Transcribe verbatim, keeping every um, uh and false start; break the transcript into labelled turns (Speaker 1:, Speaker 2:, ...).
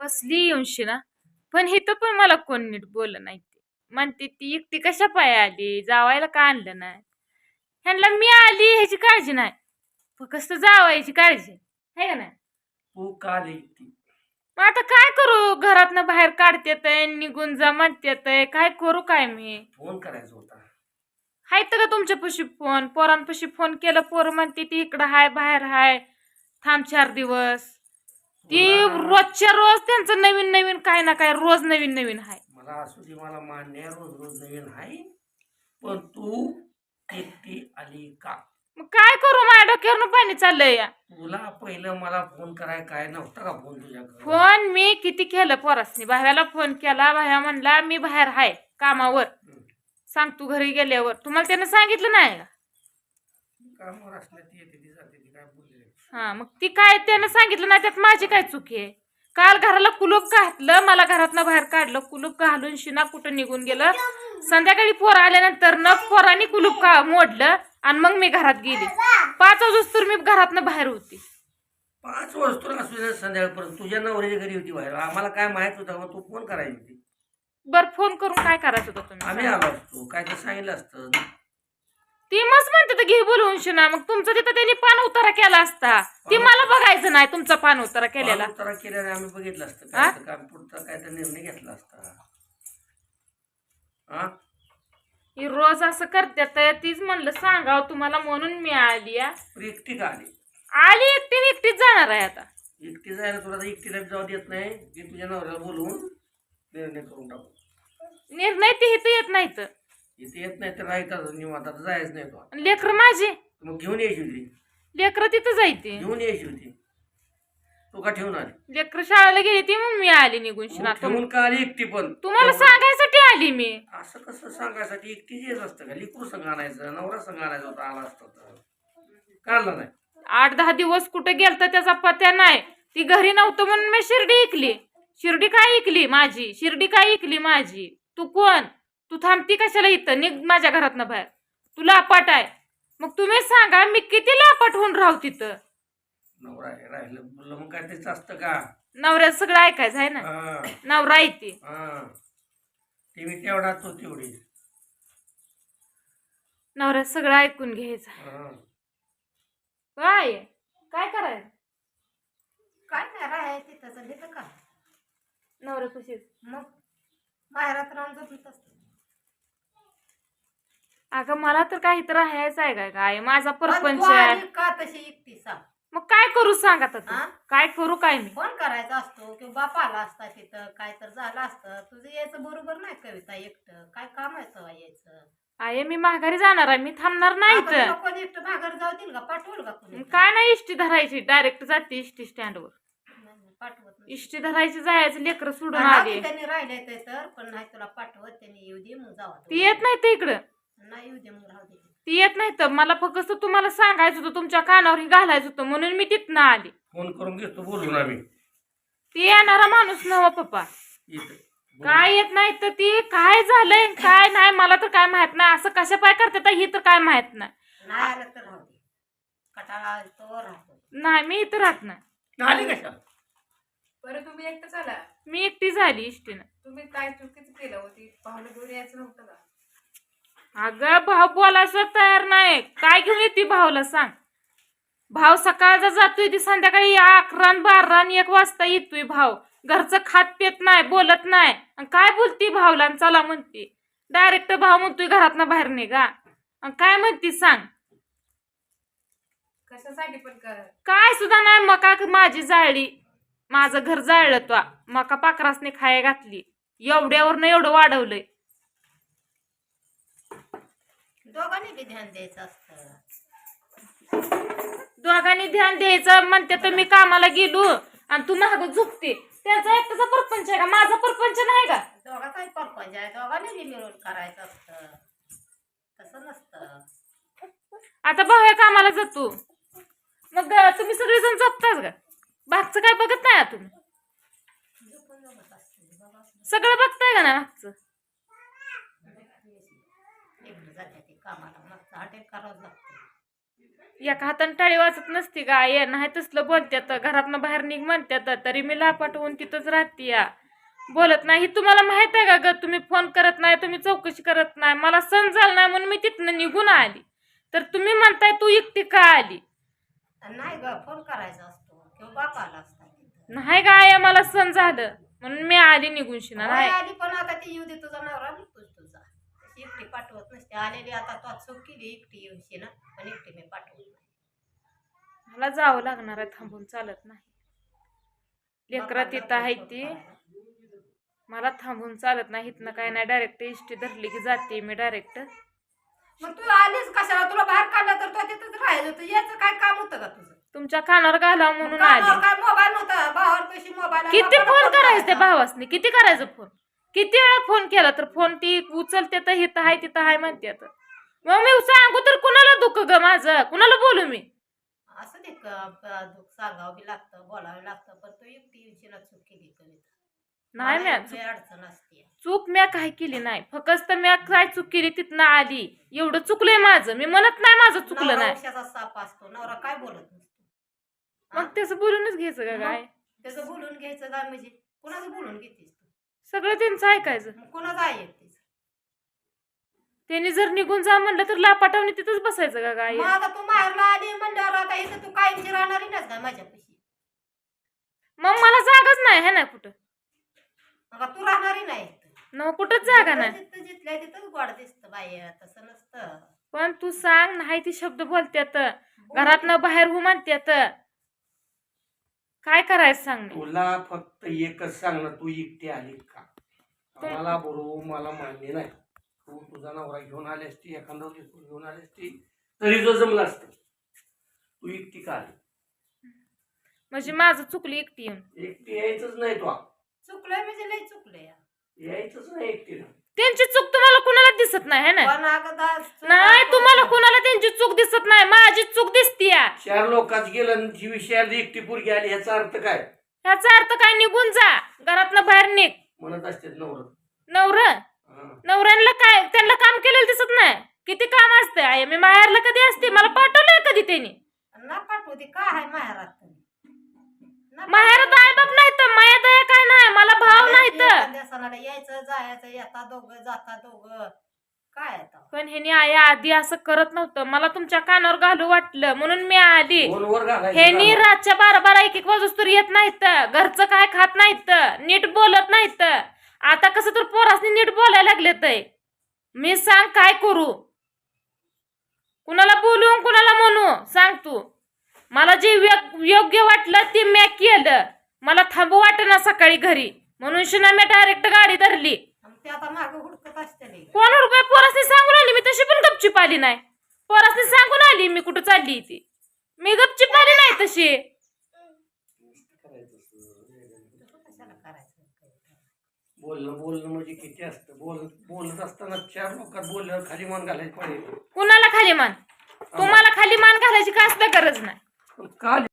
Speaker 1: बसली येऊनशी ना. पण इथं पण मला कोण नीट बोललं नाही ते. म्हणते ती एकटी कशा पाय आली, जावायला का आणलं नाही. ह्यांना मी आली ह्याची काळजी नाही, फक्त जावायची काळजी आहे का नाही.
Speaker 2: तू का आली ती?
Speaker 1: मग आता काय करू, घरातनं बाहेर काढतेत निघून जा म्हणतेत, काय करू काय मी.
Speaker 2: फोन करायचा होता.
Speaker 1: हाय तर का तुमच्यापाशी फोन, पोरांपाशी फोन केलं, पोर म्हणते ती इकडं हाय बाहेर हाय, थांब चार दिवस. ती
Speaker 2: तुला-
Speaker 1: रोजच्या रोज त्यांचं नवीन नवीन काय ना काय रोज नवीन नवीन हाय.
Speaker 2: मला असू दे, मला मान्य आहे, रोज रोज नवीन आहे, पण तू एकटी आली का?
Speaker 1: मग काय करू, माझ्या डोक्यावरनं पाणी चाललंय या.
Speaker 2: तुला पहिलं मला फोन कराय काय नव्हता का फोन तुझ्याकडे?
Speaker 1: फोन मी किती केलं पोरासनी, भाव्याला फोन केला, भाव्या म्हणला मी बाहेर हाय कामावर, सांग तू घरी गेल्यावर. तुम्हाला त्यानं सांगितलं नाही का?
Speaker 2: कामावर असल्या ती येते ती जाते ती काय बोलले.
Speaker 1: हा मग ती काय त्यानं सांगितलं नाही, त्यात माझी काय चुकी आहे. काल घराला कुलूप घातलं, मला घरातनं बाहेर काढलं, कुलूप घालून शिना कुठं निघून गेलं. संध्याकाळी पोर आल्यानंतर न पोरांनी कुलूप का मोडलं आणि मग मी घरात गेली. पाच वाजता मी घरातनं बाहेर होती.
Speaker 2: पाच वाजता असू दे संध्याकाळपर्यंत तुझ्या नवऱ्याच्या घरी होती बाहेर, आम्हाला काय माहित होतं मग तू फोन करायची होती.
Speaker 1: बर फोन करून काय करायचं होतं तुम्ही?
Speaker 2: आम्ही आलो असतो, काय तर सांगितलं असतं.
Speaker 1: ती मस्त म्हणते तर घे बोलवून शिना, मग तुमचं तिथं त्यांनी पान उतारा केला असता. ती मला बघायचं नाही तुमचा पान उतारा केलेला.
Speaker 2: उतारा केल्याने आम्ही बघितलं असतं, काय तर काम पुढचा काय तर निर्णय घेतला असता. हा
Speaker 1: ही रोज असं करते तर तीच म्हणलं सांगाव तुम्हाला म्हणून मी आली.
Speaker 2: एकटी का आली?
Speaker 1: आली एकटी एकटीच जाणार आहे आता.
Speaker 2: एकटी जायला तुला तर एकटीला जाऊ देत नाही, की तुझ्या नवऱ्याला बोलवून निर्णय करून टाकू.
Speaker 1: निर्णय ते इथं येत नाहीत,
Speaker 2: इथे येत नाही तर राहतात निवांत, आता जायच नाही तो.
Speaker 1: लेकर माझी
Speaker 2: मग घेऊन यायची होती,
Speaker 1: लेकर तिथं जायते.
Speaker 2: घेऊन यायची होती, तू का ठेवून आली?
Speaker 1: लेकर शाळेला गेली ती मग मी आली निघून शिना.
Speaker 2: मग ठेवून का आली एकटी? पण
Speaker 1: तुम्हाला सांगायसाठी आली मी.
Speaker 2: असं कसं सांगायसाठी? एकटी येत असतं का? लिकूर संघ आणायचं, नवरा संघ आणायचा होता, आला असता तर काढला नाही.
Speaker 1: आठ दहा दिवस कुठे गेलता त्याचा पत्या नाही. ती घरी नव्हतं म्हणून मी शिर्डी इकली. शिर्डी काय इकली माझी? शिर्डी काय इकली माझी? तू कोण? तू थांबती कशाला इथं? निघ माझ्या घरातनं बाहेर. तुला अपाट आहे. मग तुम्ही सांगा मी किती लापाट होऊन राहू तिथं?
Speaker 2: नवरा राहिलं बोललं मग काय तेच असतं का?
Speaker 1: नवऱ्यात सगळं ऐकायचं आहे ना. नवरा येते
Speaker 2: ती मी तेवढा तो तेवढी
Speaker 1: नवऱ्यात सगळं ऐकून घ्यायचं. काय काय करायचं?
Speaker 3: काय नाही राहाय तिथं तिथं का
Speaker 1: नवऱ्या खुशीच
Speaker 3: मग बाहेरात राहून झोपत असते.
Speaker 1: अगं मला तर काही तर राहायचं आहे काय? काय माझा परपंच
Speaker 3: तू
Speaker 1: आहे.
Speaker 3: आली का तशी एकटी सांग?
Speaker 1: मग काय करू सांग आता तू?
Speaker 3: हा?
Speaker 1: काय करू काय मी?
Speaker 3: फोन करायचा असतो किंवा बाप आला असता तिथं, काय तर झालं असतं. तुझं यायचं बरोबर नाही कविता, एकटं काय काम आहे तेव्हा यायचं?
Speaker 1: आहे मी माघारी जाणार आहे, मी थांबणार नाही
Speaker 3: आता
Speaker 1: तर.
Speaker 3: तुला कोणी एकटं माघार जाऊ देईल का? पाठवल का कोणी?
Speaker 1: काय नाही इष्टी धरायची, डायरेक्ट जाते इष्टी स्टँडवर.
Speaker 3: नाही, नाही, पाठवत नाही.
Speaker 1: इष्टी धरायची, जायचं, लेकर सोडून
Speaker 3: राहू
Speaker 1: आली.
Speaker 3: दे, त्यांनी राहिले ते तर, पण नाही तुला पाठवत. त्यांनी येऊ दे मग जावा.
Speaker 1: ती येत नाही तर इकडं.
Speaker 3: नाही येऊ दे मग राहू दे.
Speaker 1: ती येत नाही तर मला फक्त तुम्हाला सांगायचं होतं, तुमच्या कानावर हे घालायचं होतं म्हणून मी तिथनं आली.
Speaker 2: फोन करून घेतो बोलून आम्ही.
Speaker 1: ती येणारा माणूस नव पप्पा.
Speaker 2: इथं
Speaker 1: काय येत नाही तर ती काय झालंय काय नाही मला तर काय माहित नाही. असं कशा पाय करते तर ही तर काय माहित नाही.
Speaker 3: नाही आलं तर राहू दे. कटाळा तो राहतो.
Speaker 1: नाही मी इथं राहत नाही.
Speaker 2: आली कशा?
Speaker 4: बरं तुम्ही एकटं चला.
Speaker 1: मी एकटी झाली इष्टीनं.
Speaker 4: तुम्ही काय चुकीचं केलं होती? पाहुणे घेऊन यायचं नव्हतं का?
Speaker 1: अगं भाऊ बोलायला तयार नाही. काय घेऊन येते भाऊला सांग? भाव सकाळचा जातोय ती संध्याकाळी अकरा बारा आणि एक वाजता येतोय भाऊ. घरचं खात पेत नाही, बोलत नाही. काय बोलती भाऊला? चला म्हणती डायरेक्ट भाऊ म्हणतोय घरातनं बाहेर निघा. काय म्हणती सांग?
Speaker 4: कशासाठी पण कर?
Speaker 1: काय सुद्धा नाही. मका माझी जाळली, माझं घर जाळलं. तो मका पाकरासने खाया घातली, एवढ्यावर एवढं वाढवलंय.
Speaker 3: दोघांनी बी ध्यान द्यायचं असतं.
Speaker 1: दोघांनी ध्यान द्यायचं म्हणते तर मी कामाला गेलो आणि तू महाग झुकते. त्याचा एकटाचा परपंच आहे का? माझा परपंच नाही का?
Speaker 3: दोघाचाही परपंच आहे, दोघांनी बी मिळून करायचं असतं. तसं नसतं.
Speaker 1: आता भाऊ कामाला जातो मग तुम्ही सगळेजण झोपताच का? मागचं काय बघत नाही तुम्ही?
Speaker 3: झोपून जमत असते बाबा.
Speaker 1: सगळं बघताय का ना मागचं?
Speaker 3: एकटं जाते ते कामाला, मग हॉटेल करावं लागतं.
Speaker 1: एका हाताने टाळी वाजत नसती का ये नाही तसलं बोलत्यात घरातनं बाहेर निघ म्हणत्यात तरी मी लापाटवून तिथंच राहते या बोलत नाही. ही तुम्हाला माहित आहे का ग? तुम्ही फोन करत नाही, तुम्ही चौकशी करत नाही, मला सण झाला नाही म्हणून मी तिथनं निघून आली. तर तुम्ही म्हणताय तू एकटी का आली?
Speaker 3: नाही ग, फोन करायचा असतो किंवा बापाला असता तिथं.
Speaker 1: नाही का आया मला सण झालं म्हणून मी आली निघून शिना
Speaker 3: होय,
Speaker 1: नाही.
Speaker 3: आली पण आता ती येऊ दे, तुझा नवरा निघतोच तुझा. तशी एकटी पाठवत नसते. आलेली आता तो चूक केली, एकटी येऊशी ना, पण एकटी मी पाठवत नाही.
Speaker 1: मला जावं लागणार आहे, थांबून चालत नाही. लेकरं तिथं आहे ती, मला थांबून चालत नाही. इथनं काय नाही, डायरेक्ट इष्टी धरली की जाते मी डायरेक्ट.
Speaker 3: मग तू आलीस कशाला? तुला बाहेर काढलं तर तो तिथंच राहायचं होतं. याचं काय काम होतं का तुझं?
Speaker 1: तुमच्या कानावर घालावं म्हणून
Speaker 3: कानावर
Speaker 1: आली.
Speaker 3: काय मोबाईल नव्हता? भावांपाशी मोबाईल आहे.
Speaker 1: किती
Speaker 3: बापाला
Speaker 1: फोन
Speaker 3: फोन
Speaker 1: करायचं त्या
Speaker 3: करायचा.
Speaker 1: भावासनी? किती करायचं फोन? किती वेळा फोन केला तर फोन ती उचलते तर हिथं आहे तिथं आहे म्हणते. मग मी सांगू तर कुणाला दुःख ग माझं? कुणाला बोलू मी?
Speaker 3: असं ते क- क- दुःख सांगावं बी लागतं, बोलावं लागतं, पण तू एकटी येऊशीला चूक केली कविता.
Speaker 1: नाही
Speaker 3: मला
Speaker 1: मॅ
Speaker 3: लय अडचण असते.
Speaker 1: चूक म्या काय केली नाही, फक्त म्या काय चूक केली तिथनं आली एवढं चुकलंय माझं. मी म्हणत नाही माझं चुकलं
Speaker 3: नवरा
Speaker 1: नाही.
Speaker 3: उशाचा साप असतो, नवरा काय बोलत नसतो.
Speaker 1: मग त्याचं बोलूनच घ्यायचं का काय?
Speaker 3: त्याचं बोलून घ्यायचं काय म्हणजे? कुणाचं बोलून घेतेस तू?
Speaker 1: सगळं त्यांचं ऐकायचं.
Speaker 3: मग कुणाचं ऐकतेस?
Speaker 1: त्यांनी जर निघून जा म्हणलं तर लापाटावणी तिथंच बसायचं का काय?
Speaker 3: मग आता तू माहेरला आली म्हणल्यावर आता इथं तू कायमची राहणारी नाच काय माझ्यापाशी?
Speaker 1: मग मला जागाच नाही है ना कुठं.
Speaker 3: मग तू राहणारी नाही इथं.
Speaker 1: न कुठंच जागा नाही.
Speaker 3: जिथं जिथल्या तिथंच गोड दिसतं बाई, तसं नसतं.
Speaker 1: पण तू सांग, नाही ती शब्द बोलत्यात, घरातनं बाहेर हो म्हणत्यात, काय करायचं सांग मी?
Speaker 2: तुला फक्त एकच सांग ना, तू एकटी आली का? मला बरोबर मला मान्य नाही. तू तुझा नवरा घेऊन आली असती, एखादा तू घेऊन आली असती तरी जो जमलं असतं. तू एकटी का आली?
Speaker 1: म्हणजे माझं चुकली एकटी येऊन.
Speaker 2: एकटी यायचंच नाही तू.
Speaker 3: चुकलंय म्हणजे लय चुकलंय.
Speaker 2: यायचंच नाही एकटीला.
Speaker 1: त्यांची चूक तुम्हाला कुणाला दिसत नाही है ना?
Speaker 3: पण अगं दा- चूक
Speaker 1: नाही,
Speaker 3: आपण-
Speaker 1: तुम्हाला कुणाला त्यांची चूक दिसत नाही, माझी चूक दिसतीय.
Speaker 2: चार लोकांच गेलं आणि जी विषयाला एकटी पोरगी आली ह्याचा अर्थ काय?
Speaker 1: ह्याचा अर्थ काय? निघून जा, घरातनं बाहेर निघ.
Speaker 2: म्हणत असते नवर
Speaker 1: नवर नवऱ्यांना काय, त्यांना काम केलेलं दिसत नाही? किती काम असते आहे. मी माहेरला कधी असते? मला पाठवलं कधी त्यांनी?
Speaker 3: ना पाठवू दे, काय आहे माहेरात? ना
Speaker 1: माहेरात आई बाप नाही तर माया दया काय नाही, मला भाव नाही तर.
Speaker 3: एखाद्या सणाला यायचं जायचं, येता दोघं जाता दोघं, काय आता?
Speaker 1: पण ह्यानी आया आधी असं करत नव्हतं. मला तुमच्या कानावर घालू वाटलं म्हणून मी आली.
Speaker 2: फोनवर घालायचं
Speaker 1: ह्यानी
Speaker 2: का?
Speaker 1: रातच्या बारा बारा एक एक वाजूस येत नाहीत, घरचं काय खात नाहीत, नीट बोलत नाहीत. आता कसं तर पोरासनी नीट बोलायला लागलेत. मी सांग काय करू? कुणाला बोलू कुणाला म्हणू सांग तू? मला जे व्य- योग्य वाटलं ते मी केलं. मला थांबू वाटेना सकाळी घरी म्हणून शिना मी डायरेक्ट गाडी धरली.
Speaker 3: आणि ते आता मागे हुडकत असते लई.
Speaker 1: कोण रुपये पोरासनी सांगून आली, मी तशी पण गपचूप आली नाही. पोरासनी सांगून आली मी कुठं चालली ती. मी गपचूप आली नाही तशी.
Speaker 3: कशाला करायचं?
Speaker 2: बोलणं बोलणं म्हणजे किती असतं? बोल बोलत असताना चार लोकात बोलल्यावर खाली मान घालायची पाहिजे.
Speaker 1: कुणाला खाली मान? तुम्हाला खाली मान घालायची काय असल्या गरज नाही.
Speaker 2: का